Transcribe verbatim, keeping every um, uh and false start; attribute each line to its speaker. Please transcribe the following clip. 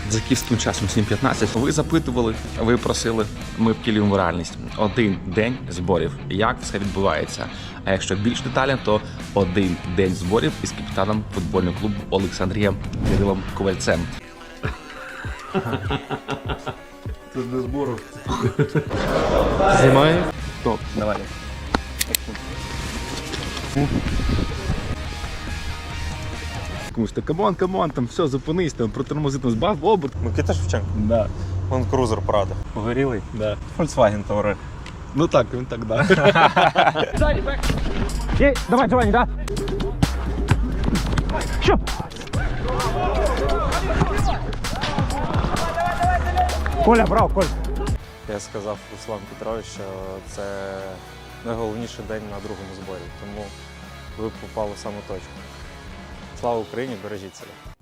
Speaker 1: За київським часом сім п'ятнадцять. Ви запитували, ви просили, ми втілюємо реальність. Один день зборів. Як все відбувається? А якщо більш детально, то один день зборів із капітаном футбольного клубу Олександрієм Кирилом Ковальцем.
Speaker 2: Це для збору.
Speaker 3: Знімаю.
Speaker 1: Топ, давай. Комусь то камон, камон, там все, зупинись, там протормози, там збав оберт.
Speaker 2: Микита Шевченко.
Speaker 1: Да.
Speaker 2: Вон крузер Прада. Погорілий.
Speaker 1: Да.
Speaker 2: Volkswagen Touareg.
Speaker 1: Ну так, він так, да.
Speaker 3: Ей, давай, Джованни, да? Що? Коля, брав, Коль.
Speaker 2: Я сказав Руслан Петрович, що це найголовніший день на другому зборі, тому ви попали в саму точку. Слава Україні, бережіть себе.